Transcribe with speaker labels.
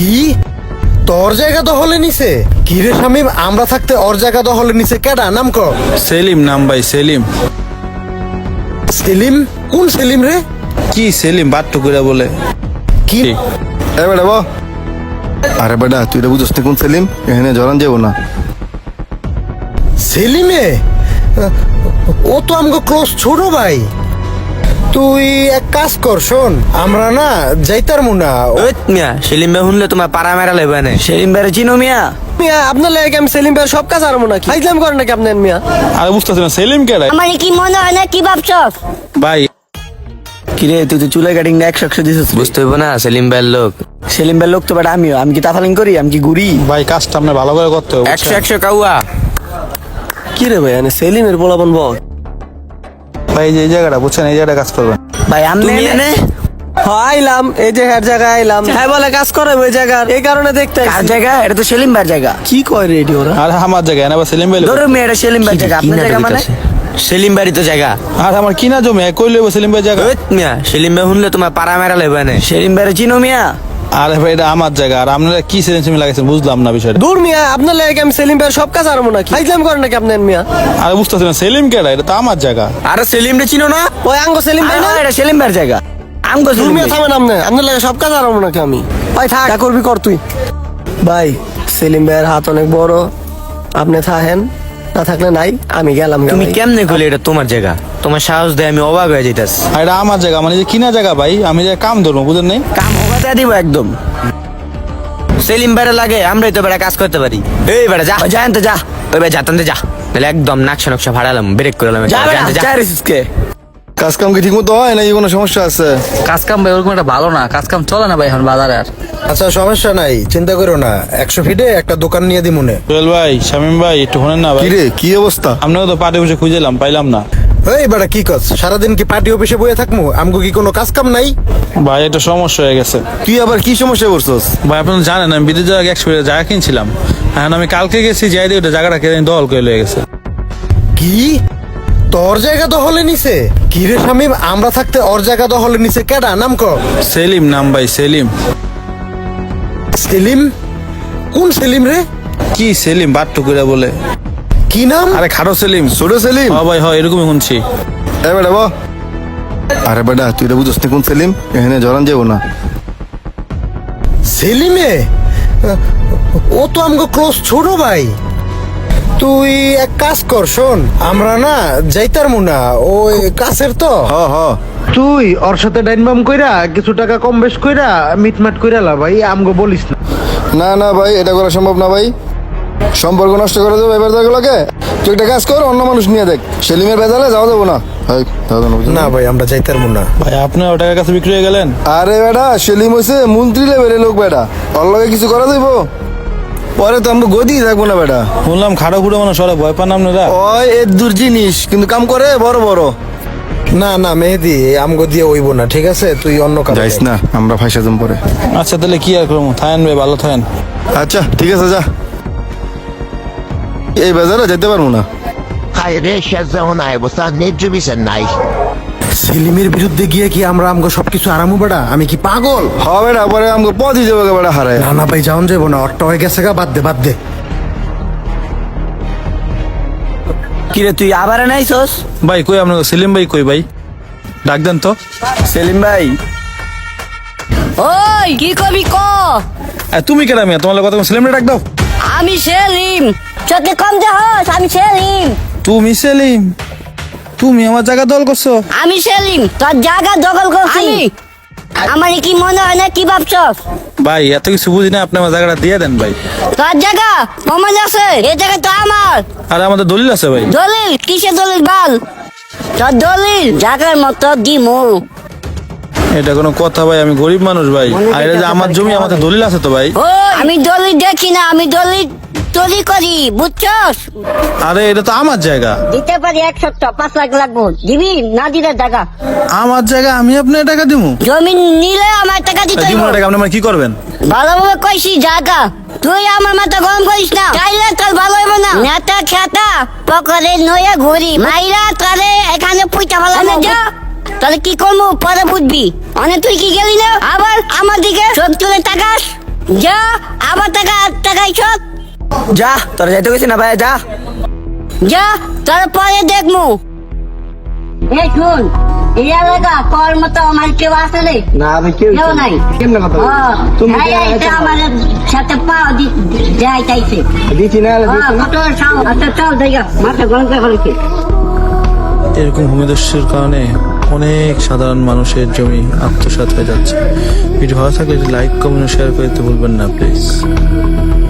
Speaker 1: কি তোর জায়গা দখলে নিছে? কি রে শামিম, আমরা থাকতে ওর জায়গা দখলে নিছে কেডা? নাম ক।
Speaker 2: সেলিম নাম ভাই, সেলিম।
Speaker 1: সেলিম? কোন সেলিম রে?
Speaker 2: কি সেলিম বাট্টু করে বলে?
Speaker 1: কি
Speaker 3: এ বেটা বো। আরে বেটা তুই এটা বুঝছিস কোন সেলিম? এখানে জরান যাবো না।
Speaker 1: সেলিমে? ও তো আমগো ক্লোজ ছোট ভাই। তুই এক কাজ কর, শোন, আমরা না যাইতার মুনা।
Speaker 4: মিয়া সেলিম ভাই শুনলে তোমার পাড়া মেরা লেবে না। সেলিম ভাই চিনো মিয়া?
Speaker 5: মিয়া আপনার লাগে আমি সেলিম ভাই সব কাজ আরবো নাকি? ফাইজলাম করেন নাকি আপনার মিয়া?
Speaker 2: আরে বুঝতেছি না সেলিম কেডা
Speaker 6: আমার কি মনে হয় না, কি ভাবছস?
Speaker 2: ভাই?
Speaker 5: কিরে তুই তো চুলাই কাটিং না 100 দিছিস।
Speaker 4: বুঝতে হইব না সেলিম ভাইয়ের লোক।
Speaker 5: সেলিম ভাই লোক তো বেটা আমিও। আমি কি তাফালিং করি? আমি কি ঘুরি?
Speaker 2: ভাই কাজটা আপনার ভালো করে করতে হবে,
Speaker 4: 100 কাউয়া।
Speaker 5: কি রে ভাই মানে সেলিমের পোলাপন বল।
Speaker 2: ভাই যে এই জায়গাটা বুঝছেন, এই জায়গাটা কাজ করবেন।
Speaker 5: ভাই আমি
Speaker 4: তুমি এনে
Speaker 5: আইলাম এই যে হের জায়গায় আইলাম। হ্যাঁ বলে কাজ করে ওই জায়গার, এই কারণে দেখতে
Speaker 4: কার
Speaker 5: আইছি।
Speaker 4: জায়গা? এটা তো সেলিম ভাইয়ের জায়গা।
Speaker 5: কি কয় রে এটি ওরা?
Speaker 2: আর আমার জায়গায় না, সেলিম ভাই।
Speaker 4: ধরো মিয়া এটা সেলিম ভাইয়ের জায়গা। আপনার জায়গা মানে? সেলিম ভাইয়ের তো জায়গা।
Speaker 2: আর আমার কিনা জমি কই লইব সেলিম ভাই জায়গা?
Speaker 4: মিয়া সেলিম ভাই শুনলে তোমার পাড়া মেরা লেবে না। সেলিম ভাইয়ের চিনো মিয়া?
Speaker 2: আরে ভাই এটা আমার জায়গা, আর আপনারা কি সেলিম লাগাইছেন বুঝলাম না বিষয়টা।
Speaker 5: দূর মিয়া আপনার লাগে আমি সেলিম ভাই সব কাজ আরবো নাকি? ফাইজলাম করেন নাকি আপনার মিয়া?
Speaker 2: আরে বুঝতেছি না সেলিম কেডা, এটা তো আমার জায়গা।
Speaker 4: আরে সেলিম রে চিনো না?
Speaker 5: ওই আঙ্গো সেলিম ভাই না?
Speaker 4: এটা সেলিম ভাইয়ের জায়গা। আমগো
Speaker 5: দূর
Speaker 4: সেলিম
Speaker 5: মিয়া
Speaker 4: ভাই।
Speaker 5: থামেন আপনি। আপনার লাগে সব কাজ আরবো নাকি আমি? ভাই থাক, যা করবি কর তুই। ভাই সেলিম ভাইয়ের হাত অনেক বড়, আপনি থাকেন, না থাকলে নাই, আমি গেলাম।
Speaker 4: তুমি কেমনে কইলে এটা তোমার জায়গা? তোমার সাহস দেয় আমি অবাক হয়ে যাইতাছি।
Speaker 2: আর এটা আমার জায়গা, মানে যে কিনা জায়গা ভাই, আমি যে কাম ধরবো বুঝেন নাই।
Speaker 4: কাম হবাতে দিব একদম। সেলিম ভাইয়ের লাগে আমরাই তো বেড়া কাজ করতে পারি। এই বেড়া যা যা আনতে যা। ওই ভাই যাতাম যা, তাহলে একদম নাকশা নকশা ভাড়ালাম, ব্রেক করলাম।
Speaker 5: যা বেটা,
Speaker 4: যা
Speaker 5: যা রিসকে।
Speaker 3: কাজ কাম কি ঠিক মতো হয় নাকি কোনো সমস্যা আছে?
Speaker 7: কাজ কাম ভাই ওরকম একটা ভালো না, কাজ কাম চলে না ভাই এখন বাজারে আর।
Speaker 1: আচ্ছা সমস্যা নাই, চিন্তা করো না, 100 ফিটে একটা দোকান নিয়ে দি মনে।
Speaker 2: সোহেল ভাই, শামিম ভাই একটু শোনেন না ভাই।
Speaker 3: কি রে কি অবস্থা?
Speaker 2: আপনাকে তো পাটে বসে খুঁজেলাম, পাইলাম না।
Speaker 1: এই বেটা কি কস? সারাদিন কি পার্টি অফিসে বয়ে থাকমু? আমগো কি কোনো কাজ কাম নাই?
Speaker 2: ভাই একটা সমস্যা হয়ে গেছে।
Speaker 3: তুই আবার কি সমস্যায় পড়ছস?
Speaker 2: ভাই আপনি তো জানেন আমি বিদেশ জায়গা 100 জায়গা কিনছিলাম। এখন আমি কালকে গেছি, যাই দিয়ে ওটা জায়গাটা কেন দখল করে লয়ে গেছে।
Speaker 1: কি তোর জায়গা দখলে নিছে? কি রে শামিম, আমরা থাকতে ওর জায়গা দখলে নিছে কেডা? নাম ক।
Speaker 2: সেলিম নাম ভাই, সেলিম।
Speaker 1: সেলিম? কোন সেলিম রে?
Speaker 2: কি সেলিম বাট্টু করে বলে?
Speaker 1: কি নাম?
Speaker 2: আরে খাটো সেলিম।
Speaker 3: ছোট সেলিম?
Speaker 2: হ্যাঁ ভাই হয়, এরকমই শুনছি।
Speaker 3: এ বেটা বো। আরে বেটা তুই এটা বুঝছিস কোন সেলিম? এখানে জরান যাবো না।
Speaker 1: সেলিমে? ও তো আমগো ক্লোজ ছোট ভাই। তুই এক কাজ কর, শোন, আমরা না যাইতার মুনা, ওই কাছের তো।
Speaker 3: হ হ।
Speaker 1: তুই ওর সাথে ডাইনবাম কইরা কিছু টাকা কম বেশ কইরা মিটমাট কইরা লা ভাই, আমগো বলিস না।
Speaker 3: না না ভাই এটা করা সম্ভব না ভাই। সম্পর্ক নষ্ট করে দেবো এবার দেখলোকে। তুই একটা কাজ কর, অন্য মানুষ নিয়ে দেখ। সেলিমের বেজালে যাওয়া যাবো না। এই, যাওয়া যাবো না, বুঝলি?
Speaker 1: না ভাই আমরা যাইতার মুনা।
Speaker 2: ভাই আপনি ও টাকার কাছে বিক্রি হয়ে গেলেন?
Speaker 3: আরে বেটা সেলিম হয়েছে মন্ত্রী লেভেলের লোক বেটা, ওর লগে কিছু করা যাইব? পরে তো আমরা গদি থাকবো না বেটা।
Speaker 2: শুনলাম খাটো খুঁড়ো মানে সরে ভয় পান আপনারা।
Speaker 3: ওই এর দূর জিনিস কিন্তু কাম করে বড় বড়।
Speaker 1: না না মেহেদি, আমগো দিয়ে হইব না, ঠিক আছে? তুই অন্য কাজ
Speaker 3: যাইস না, আমরা ফাইসা জম পরে।
Speaker 2: আচ্ছা তাহলে কি আর করবো, থাকেন ভাই, ভালো থাকেন।
Speaker 3: আচ্ছা ঠিক আছে যা। এই বাজারে যেতে পারবো না।
Speaker 8: Hayır, yaşasın ayıbısa ne cübisen nay.
Speaker 1: সেলিমের বিরুদ্ধে গিয়ে কি আমরা আমগো সবকিছু আরামু বেটা? আমি কি পাগল?
Speaker 3: হ বেটা, পরে আমাকে পথই যাবো বেটা হারায়।
Speaker 1: না না ভাই যাওন যাবো না, অট্ট হয়ে গেছে গা, বাদ দে বাদ দে।
Speaker 4: কিরে তুই আবার নাইছস?
Speaker 2: ভাই কই আপনাকে সেলিম ভাই কই ভাই? ডাক দেন তো।
Speaker 4: সেলিম ভাই
Speaker 6: ওই কি কবি ক?
Speaker 2: তুমি কেন মিয়া, তোমার কথা সেলিম ডাক দাও।
Speaker 6: আমি সেলিম, চোখে কম দেহস, আমি সেলিম।
Speaker 2: তুমি সেলিম? তুমি আমার জায়গা দল করছো?
Speaker 6: আমি সেলিম, তোর জায়গা দখল করছি। আমার কি মনে হয় না, কি ভাবছস?
Speaker 2: ভাই এত কিছু বুঝি না, আপনি আমার জায়গাটা দিয়ে দেন ভাই।
Speaker 6: তোর জায়গা প্রমাণ আছে, এই জায়গা তো আমার।
Speaker 2: আর আমাদের দলিল আছে ভাই।
Speaker 6: দলিল? কিসের দলিল বল? তোর দলিল জায়গার মতো দিমু।
Speaker 2: এটা কোনো কথা ভাই? আমি গরিব মানুষ ভাই, আর এটা যে আমার জমি, আমাদের দলিল আছে তো ভাই।
Speaker 6: ওই আমি দলিল দেখি না, আমি দলিল তৈরি করি, বুঝছস?
Speaker 2: আরে এটা তো আমার জায়গা।
Speaker 6: দিতে পারি 1 সপ্তাহ, 5 লাখ লাগবো। দিবি না দিলে টাকা?
Speaker 2: আমার জায়গা, আমি আপনার টাকা দিব?
Speaker 6: জমি নিলে আমার টাকা দিতে
Speaker 2: দিব
Speaker 6: হইব।
Speaker 2: টাকা, আপনি আমার কি করবেন?
Speaker 6: ভালোভাবে কইছি জায়গা, তুই আমার মাথা গরম করিস না, চাইলে তোর ভালো হইব না। নেতা খেতা পকরে নয়া ঘুরি মাইরা তারে এখানে পুইটা ফেলানো যা। তাহলে কি করবো পরে বুঝবি। অনেক তুই কি গেলি না, আবার আমার দিকে চোখ তুলে তাকাস। যা আবার টাকাই সব
Speaker 4: যা তোরা যাইতে গেছি না ভাই, যা।
Speaker 6: যা তারপরে দেখমু। এই শুন, এই এলাকা তোর মতো আমার কেউ আছে রে?
Speaker 5: না আমি কেউ
Speaker 6: নাই।
Speaker 5: কেমনে কথা বলছো? তুমি
Speaker 6: হ্যাঁ,
Speaker 5: কি
Speaker 6: এইটা আমার সাথে পাও যাই চাইছে।
Speaker 5: দিছি না
Speaker 6: কত সাও, আচ্ছা চল দেখা মাথা গরম করে ফেলেছে।
Speaker 2: এরকম ভূমিদস্যুর কারণে অনেক সাধারণ মানুষের জমি আত্মসাৎ হয়ে যাচ্ছে। ভিডিও ভালো থাকলে লাইক কমেন্ট শেয়ার করতে ভুলবেন না প্লিজ।